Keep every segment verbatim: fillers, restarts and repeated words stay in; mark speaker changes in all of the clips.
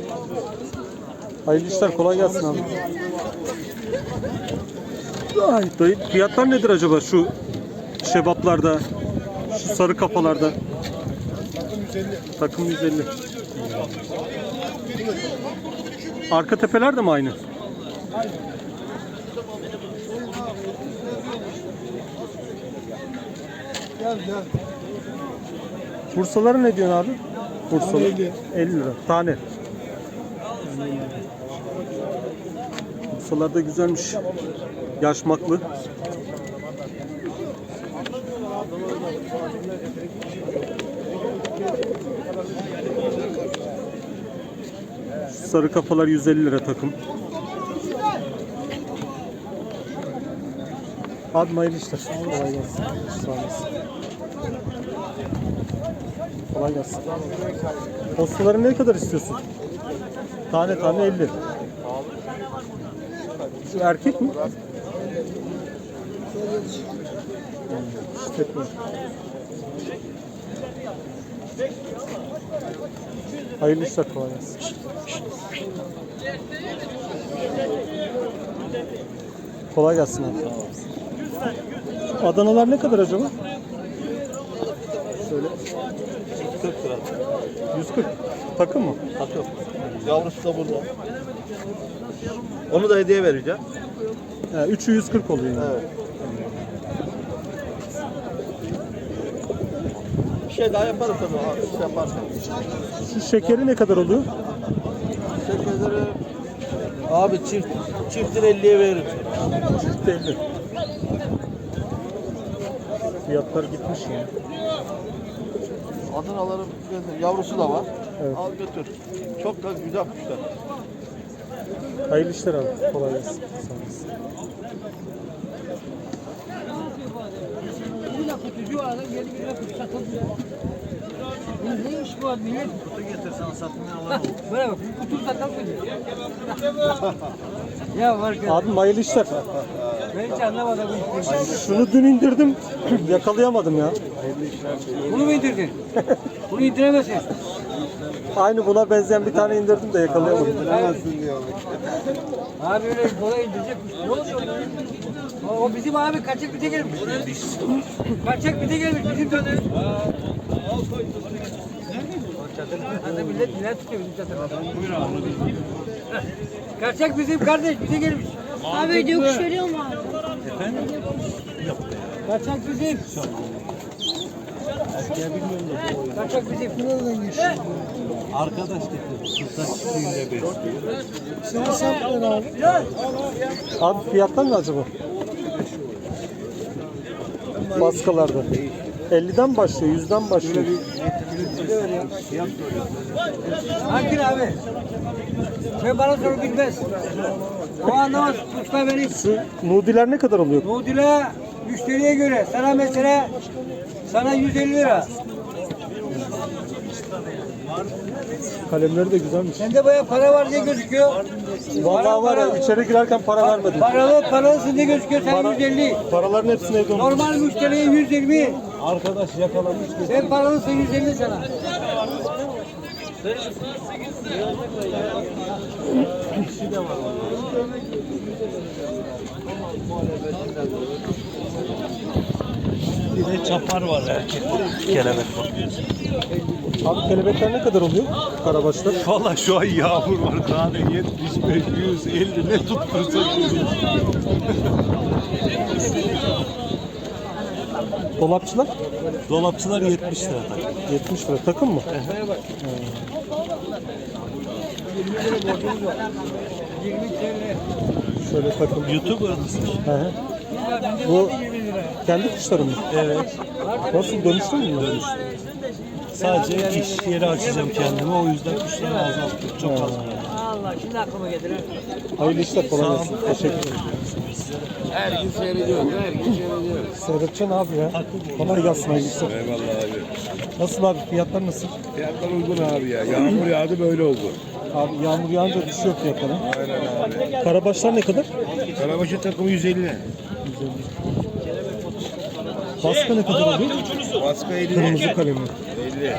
Speaker 1: Hayırlı işler, kolay gelsin abi. Ay dayı, fiyatlar nedir acaba şu şebaplarda, şu sarı kafalarda? Takım yüz elli. Arka tepeler de mi aynı?
Speaker 2: Gel gel.
Speaker 1: Bursaları ne diyorsun abi? Bursalı elli lira tane. Bursalar da güzelmiş. Yaşmaklı. Şu sarı kafalar yüz elli lira takım. Abi hayırlı işler. Kolay gelsin. Sağ olasın. Kolay gelsin. Postaları ne kadar istiyorsun? Tane tane elli. Şu erkek mi? İşletme. Hayırlı işler, kolay gelsin. Kolay gelsin abi. Adanalar ne kadar acaba? Şöyle.
Speaker 2: kırk lira.
Speaker 1: yüz kırk. Takım mı?
Speaker 2: Takım. Yavrusu da burada. Onu da hediye vereceğim.
Speaker 1: He, üçü yüz kırk oluyor yani.
Speaker 2: Evet. Bir şey daha yaparız tabii abi. Şey yaparsan.
Speaker 1: Şu şekeri ne kadar oluyor?
Speaker 2: Şekerleri abi çift çiftin elliye veririm.
Speaker 1: Çift elli. Fiyatlar gitmiş yani.
Speaker 2: Adanaların yavrusu da var.
Speaker 1: Evet.
Speaker 2: Al götür. Çok da güzel kuşlar.
Speaker 1: Hayırlı işler abi. Kolay gelsin. Sağ olasın.
Speaker 3: Neymiş bu adı millet?
Speaker 2: Kutu getirsen satmaya alalım.
Speaker 3: Böyle bak, kutu satalım mı? Ya var ki,
Speaker 1: Abim hayırlı işler.
Speaker 3: ben hiç anlamadım bu işi.
Speaker 1: Şunu dün indirdim. Yakalayamadım ya.
Speaker 3: Bunu mu indirdin? Bunu indiremezsin.
Speaker 1: Aynı buna benzeyen bir tane indirdim de yakalayamadım.
Speaker 3: Abi öyle kolay indirecek. Ne oluyor lan? O, o bizim abi kaçak bite gelmiş. Kaçak bite gelmiş bizim dönüyor. Hadi millet neler tutuyor bizim çadırda. Buyur abi. Kaçak bizim kardeş bize gelmiş.
Speaker 4: Abi diyor kuş veriyor mu abi?
Speaker 3: Kaçak bizim. Kaçak bizim.
Speaker 2: Arkadaş getir. Sultan çiftliğinde besliyor.
Speaker 3: Sen sen abi.
Speaker 1: Abi fiyatlar ne acaba? Baskalarda. elliden başlıyor, yüzden başlıyor.
Speaker 3: Hangi abi? Sen bana soru bilmez. O anlamaz. Kuşlar benim.
Speaker 1: Şu nudiler ne kadar oluyor?
Speaker 3: Nudile müşteriye göre. Sana mesela sana yüz elli lira.
Speaker 1: Kalemleri de güzelmiş.
Speaker 3: Sende bayağı para var diye gözüküyor.
Speaker 1: Vallahi var ya, içeri girerken para vermedim.
Speaker 3: Paralı paralısın diye gözüküyor. Sen
Speaker 1: Para,
Speaker 3: yüz elli.
Speaker 1: paraların hepsini evde unuttum.
Speaker 3: Normal müşteriye yüz yirmi.
Speaker 1: Arkadaş yakalamış.
Speaker 3: Sen paralısın yüz elli sana.
Speaker 2: Bir de çapar var erkek. Kelebek var.
Speaker 1: Abi kelebekler ne kadar oluyor? Karabaşlar.
Speaker 2: Valla şu an yağmur var. Tane yetmiş beş, yüz elli ne tuttursak.
Speaker 1: Dolapçılar?
Speaker 2: Dolapçılar yetmiş lira.
Speaker 1: yetmiş lira. Takım mı?
Speaker 3: yirmi TL.
Speaker 1: Şöyle takım.
Speaker 2: YouTuber mısın?
Speaker 1: Hı hı. Bu kendi kuşların mı?
Speaker 2: Evet.
Speaker 1: Nasıl, dönüştü mü bunlar?
Speaker 2: Sadece iş yeri açacağım kendime. O yüzden kuşları azalttım. Çok az.
Speaker 3: Allah şimdi aklıma gelir.
Speaker 1: Hayırlı işler, kolay gelsin. Teşekkür ederim.
Speaker 3: Her gün seyrediyoruz, her gün seyrediyoruz.
Speaker 1: Seyredeceksin abi ya. Kolay gelsin, hayırlı işler.
Speaker 5: Eyvallah abi.
Speaker 1: Nasıl abi, fiyatlar nasıl?
Speaker 5: Fiyatlar uygun abi ya. Yağmur yağdı böyle oldu.
Speaker 1: Abi yağmur yağınca düşüyor fiyatları.
Speaker 5: Aynen abi.
Speaker 1: Karabaşlar ne kadar?
Speaker 5: Karabaşı takımı yüz elli.
Speaker 1: Baska ne kadar oluyor?
Speaker 5: Baska elli.
Speaker 1: Kırmızı kalemi.
Speaker 5: elli.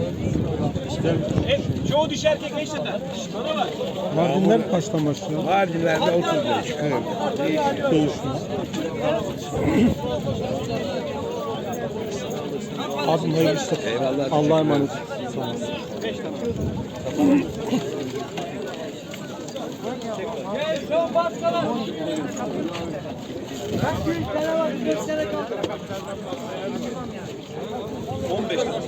Speaker 2: Çoğu dişi erkek ne işleder? Bana bak.
Speaker 1: Mardinler kaçtan başlıyor?
Speaker 5: Mardinler'de otuz beş, kırk. Değişiyor.
Speaker 1: Değişiyor. Abim hayırlı işler.
Speaker 5: Eyvallah.
Speaker 1: Allah'a emanet. Sağ olasın.
Speaker 3: Gel şu baksana. Kaç gün tane var? beş tane kaldı.
Speaker 2: on beş tane.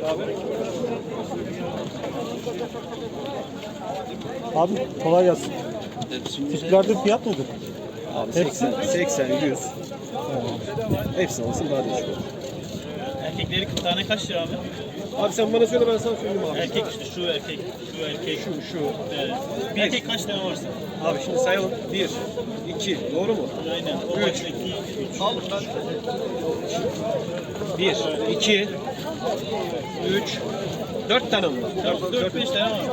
Speaker 1: Abi kolay gelsin. Tiplerde fiyat nedir?
Speaker 6: Abi
Speaker 1: Hepsi?
Speaker 6: seksen, seksen, yüz. Hepsini alsın daha değişik olur.
Speaker 2: Erkekleri kırk tane kaç lira abi?
Speaker 6: Abi sen bana söyle ben sana söyleyeyim abi.
Speaker 2: Erkek işte şu erkek, şu erkek, şu şu. Evet. Bir erkek kaç tane varsa?
Speaker 6: Abi şimdi sayalım. Bir, iki, doğru mu?
Speaker 2: Aynen. O
Speaker 6: Üç.
Speaker 2: baştaki üç. Al lan.
Speaker 6: Bir, iki, üç, dört tane mi var?
Speaker 2: Dört, dört beş tane var.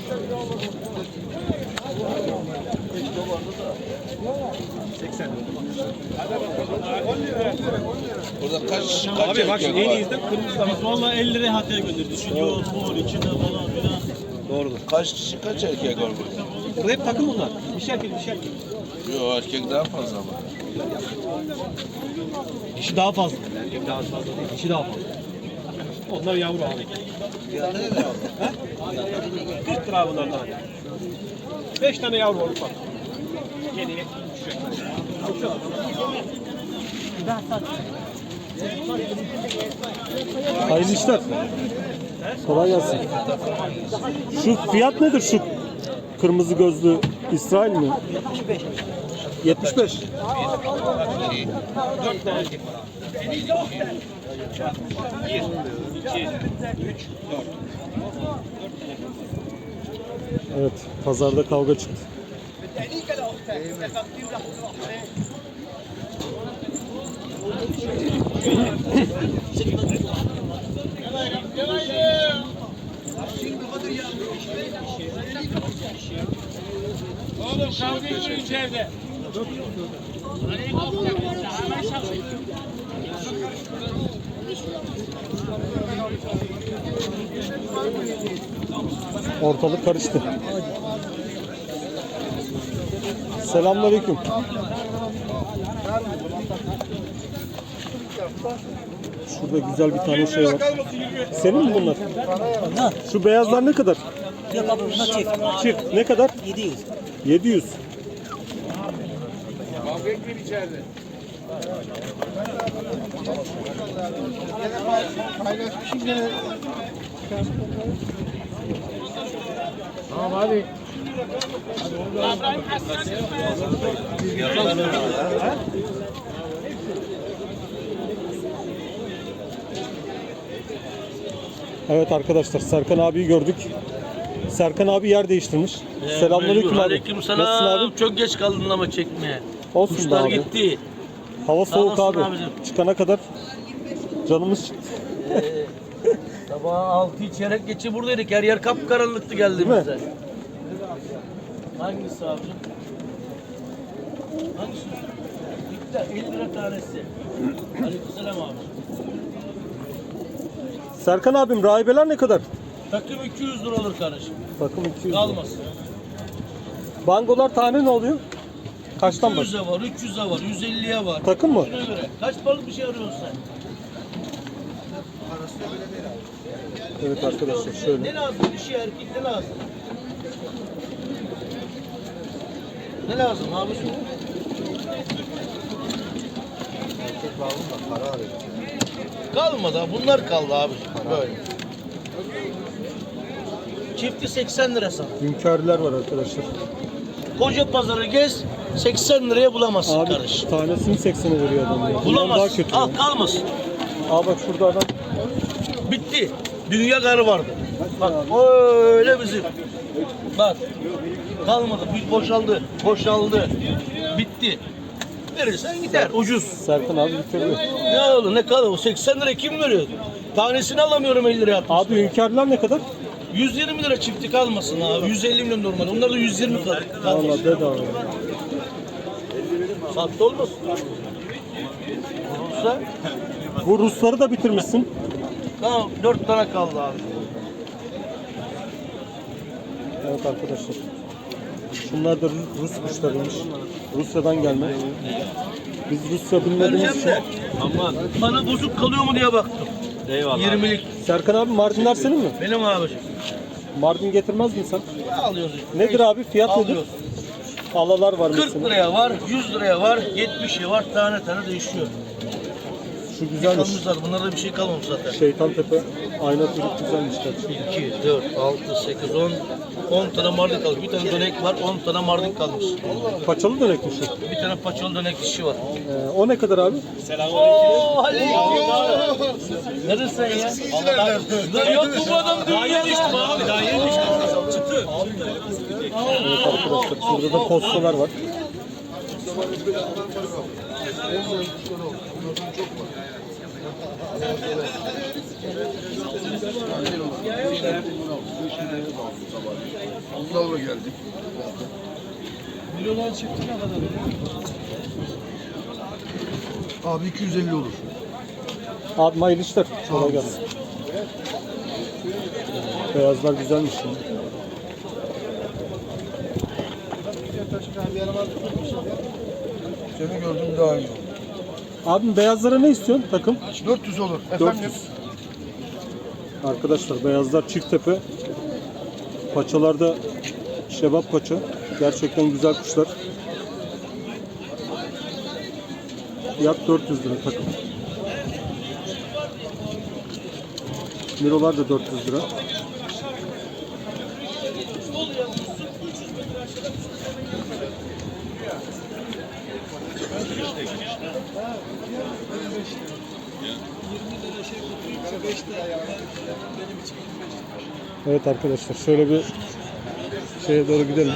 Speaker 7: Burada kaç kaç
Speaker 6: Abi bak şimdi en iyisinden kırmızı da var.
Speaker 2: Biz valla elli liraya hadiye gönderdik. Düşün yol, mor, içinde falan filan.
Speaker 6: Doğrudur.
Speaker 7: kaç kişi kaç erkek var burada?
Speaker 6: Burada hep takım bunlar. Bir şey erkek, bir şey erkek.
Speaker 7: Yok erkek daha fazla ama.
Speaker 6: Dişi daha fazla. Erkek daha fazla değil. Dişi daha fazla. Onlar yavru abi. Ha? kırk lira bunlar tane. beş tane yavru var ufak. Yeni düşecek.
Speaker 1: Hayırlı işler. Kolay gelsin. Şu fiyat nedir şu kırmızı gözlü İsrail mi? yetmiş beş. yetmiş beş.
Speaker 6: dört tane erkek var abi. bir, iki, üç, dört.
Speaker 1: Evet, pazarda kavga çıktı.
Speaker 2: Oğlum kavga ediyor içeride.
Speaker 1: Ortalık karıştı. Selamünaleyküm. Şurada güzel bir tane şey var. Senin mi bunlar? Şu beyazlar ne kadar?
Speaker 8: Yok abi bunlar çift.
Speaker 1: Çift ne kadar?
Speaker 8: yedi yüz.
Speaker 1: yedi yüz. Evet arkadaşlar, Serkan abiyi gördük. Serkan abi yer değiştirmiş. Selamünaleyküm abi.
Speaker 9: Aleyküm
Speaker 1: Nasılsın
Speaker 9: selam.
Speaker 1: abi?
Speaker 9: Çok geç kaldın ama çekmeye.
Speaker 1: Olsun be
Speaker 9: Kuşlar
Speaker 1: abi.
Speaker 9: gitti.
Speaker 1: Hava
Speaker 9: Sağ
Speaker 1: soğuk
Speaker 9: olasın
Speaker 1: abi.
Speaker 9: abicim.
Speaker 1: Çıkana kadar canımız çıktı.
Speaker 9: Sabah altı çeyrek geçe buradaydık. Her yer kapkaranlıktı
Speaker 1: Değil mi?
Speaker 9: geldiğimizde. Hangisi abicim? Hangisi? İkta elli lira tanesi. Aleykümselam abi.
Speaker 1: Serkan abim, rahibeler ne kadar?
Speaker 9: Takım iki yüz lira olur kardeşim.
Speaker 1: Takım iki yüz lira.
Speaker 9: Kalmasın.
Speaker 1: Bangolar tane ne oluyor? Kaçtan
Speaker 9: iki
Speaker 1: baş?
Speaker 9: yüze var, üç yüze var, yüz elliye var.
Speaker 1: Takım mı?
Speaker 9: Şuna göre. Kaç balık bir şey arıyorsun sen?
Speaker 1: Evet arkadaşlar şöyle.
Speaker 9: Ne lazım? Dişi erkek ne lazım? Ne lazım abiciğim? Kalmadı ha. Bunlar kaldı abiciğim. Böyle. Çifti seksen lira sana.
Speaker 1: Hünkârlar var arkadaşlar.
Speaker 9: Koca pazarı gez seksen liraya bulamazsın
Speaker 1: Abi
Speaker 9: kardeşim.
Speaker 1: tanesini seksene veriyor adam ya. Bundan daha
Speaker 9: Bulamazsın.
Speaker 1: kötü.
Speaker 9: Al
Speaker 1: ya.
Speaker 9: kalmasın.
Speaker 1: Aa bak şurada adam.
Speaker 9: Bitti. Dünya karı vardı. Bak öyle bizim. Bak. Kalmadı. Bir boşaldı. Boşaldı. Bitti. Verirsen gider. Ucuz.
Speaker 1: Serkan abi bitiriyor.
Speaker 9: Ne oldu? Ne kalır? O seksen lira kim veriyor? Tanesini alamıyorum elli liraya.
Speaker 1: Abi hünkârlar ne kadar?
Speaker 9: yüz yirmi lira çifti kalmasın abi. yüz elli milyon normal. Onlar da yüz yirmi kalır.
Speaker 1: Valla bedava.
Speaker 9: Sahte olmasın. Olursa
Speaker 1: Bu Rusları da bitirmişsin.
Speaker 9: Tamam, dört tane kaldı abi.
Speaker 1: Evet arkadaşlar. Şunlar da Rus Rus kuşlarıymış. Rusya'dan gelme. Biz Rusya bilmediğimiz
Speaker 9: Vereceğim
Speaker 1: için.
Speaker 9: de. Aman. Bana bozuk kalıyor mu diye baktım.
Speaker 6: Eyvallah.
Speaker 9: yirmilik.
Speaker 1: Serkan abi Mardinler senin mi?
Speaker 9: Benim abi.
Speaker 1: Mardin getirmez misin sen?
Speaker 9: Alıyoruz işte.
Speaker 1: Nedir abi? Fiyat nedir?
Speaker 9: Alıyoruz.
Speaker 1: Alalar var
Speaker 9: kırk
Speaker 1: mesela.
Speaker 9: liraya var, yüz liraya var, yetmişe var. Tane tane değişiyor.
Speaker 1: Şu güzelmiş.
Speaker 9: Kalmış zaten. Bunlarda bir şey kalmamış zaten.
Speaker 1: Şeytan Tepe. Ayna turuk güzelmiş gerçekten.
Speaker 9: iki, dört, altı, sekiz, on. on tane mardin kalmış. Bir tane dönek var, on tane mardin kalmış.
Speaker 1: Paçalı dönekli şu.
Speaker 9: Bir tane paçalı dönek dişi var.
Speaker 1: Ee, o ne kadar abi?
Speaker 9: Oo Ali! Neredesin sen ya? Lan yok mu bu adam dünyada?
Speaker 6: Abi daha yeni işte. Çıtı.
Speaker 1: Evet arkadaşlar. Burada da postalar var.
Speaker 5: Onlarla geldik.
Speaker 2: Milyonlar çıktı ne kadar?
Speaker 5: Abi iki yüz elli olur.
Speaker 1: Abi hayırlı işler. Kolay gelsin. Beyazlar güzelmiş şimdi.
Speaker 5: Seni gördüm daha iyi oldu.
Speaker 1: Abim beyazlara ne istiyorsun takım?
Speaker 5: dört yüz olur.
Speaker 1: dört
Speaker 5: Efendim?
Speaker 1: yüz. Arkadaşlar beyazlar çift tepe. Paçalarda şebap paça. Gerçekten güzel kuşlar. Fiyat dört yüz lira takım. Mirolar da dört yüz lira. Evet arkadaşlar şöyle bir şeye doğru gidelim.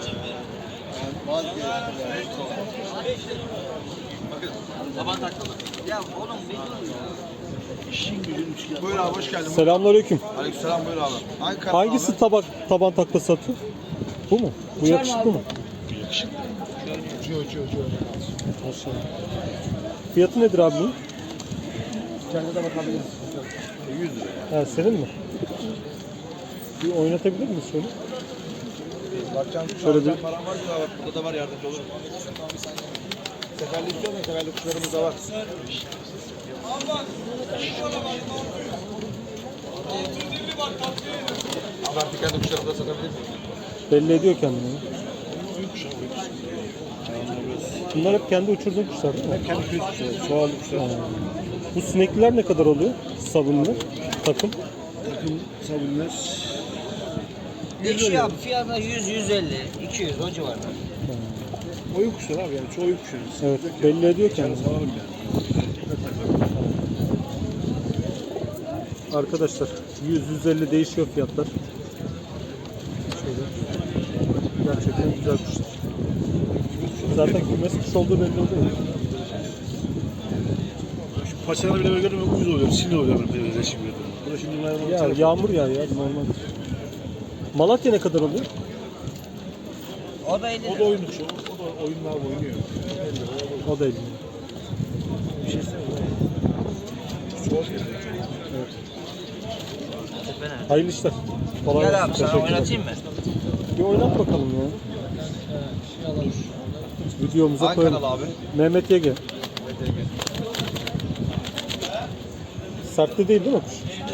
Speaker 5: Buyur abi hoş geldin.
Speaker 1: Selamünaleyküm.
Speaker 5: Aleykümselam buyur abi. Hangi kanal
Speaker 1: Hangisi tabak taban taklası atıyor? Bu mu? Bu yakışıklı mı?
Speaker 5: Uçuyor uçuyor uçuyor.
Speaker 1: Maşallah. Fiyatı nedir abi bunun?
Speaker 5: Kendine de bakabiliriz. yüz lira.
Speaker 1: Ha, senin mi? Bir oynatabilir miyiz şöyle?
Speaker 5: Bakacağım
Speaker 1: Şöyle bir
Speaker 5: param var mı? Bak burada da var yardımcı olurum. Seferli istiyor musun? Seferli kuşlarımız da var. Abi artık kendi kuşlarımı da satabilir miyim?
Speaker 1: belli ediyor kendini. Bunlar hep kendi uçurduğun kuşlar değil mi?
Speaker 5: Kendi kuşu kuşları. Çoğaldı kuşlar.
Speaker 1: Bu sinekliler ne kadar oluyor? Sabunlu takım.
Speaker 5: Takım sabunlar.
Speaker 3: Değişiyor abi. Fiyatlar yüz, yüz elli, iki yüz o civarda.
Speaker 5: Oyun kuşları abi yani çoğu oyun kuşları.
Speaker 1: Evet, belli ediyor kendini.
Speaker 5: Salalım yani.
Speaker 1: Arkadaşlar yüz yüz elli değişiyor fiyatlar. Şöyle. Gerçekten güzel kuşlar. Zaten kümes kuş olduğu belli oluyor.
Speaker 2: Paçaları bile böyle görüyorum, uyuz oluyor, sinir oluyor böyle resim görüyorum. Bu da şimdi merhaba.
Speaker 1: Ya yağmur yağıyor ya normal. Malatya ne kadar oluyor?
Speaker 3: O da elli
Speaker 2: O da oyun kuşu, o da oyunlar oynuyor.
Speaker 1: O da elli.
Speaker 2: Bir şey istemiyorum. Çoğu şey.
Speaker 1: Hayırlı işler. Kolay
Speaker 3: Gel
Speaker 1: gelsin.
Speaker 3: abi sana
Speaker 1: Teşekkürler.
Speaker 3: oynatayım mı?
Speaker 1: Bir oynat bakalım ya. Videomuza
Speaker 5: Hangi
Speaker 1: koyalım.
Speaker 5: kanal abi?
Speaker 1: Mehmet Yege. Sertte değil değil mi kuş?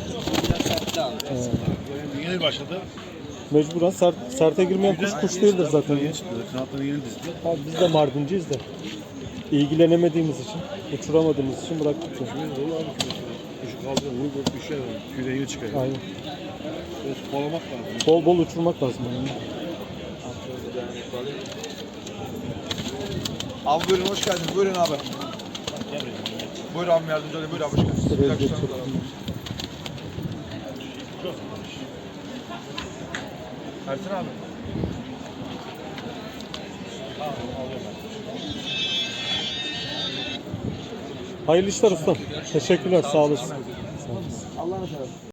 Speaker 2: Yani yeni başladı.
Speaker 1: Mecburen sert, serte girmeyen kuş kuş değildir zaten.
Speaker 2: Yeni çıktı. Kanatları yeni dizdi.
Speaker 1: Abi biz de Mardinciyiz de. İlgilenemediğimiz için, uçuramadığımız için bıraktık ya.
Speaker 2: Dolu abi kümesi. Kuşu kaldırıyor, vurup düşer. Küre yeni çıkıyor.
Speaker 1: Aynen.
Speaker 2: Böyle kovalamak lazım.
Speaker 1: Bol bol uçurmak lazım yani.
Speaker 5: Abi buyurun hoş geldiniz. Buyurun abi. Buyur abi yardımcı olayım. Buyur abi hoş geldiniz.
Speaker 1: Şuraya
Speaker 5: Güzel
Speaker 1: geç
Speaker 5: kuşlarımız var
Speaker 1: bakayım.
Speaker 5: abi. Ersin abi.
Speaker 1: Hayırlı işler ustam. Teşekkürler, sağ olasın.
Speaker 5: Allah'ını seversen.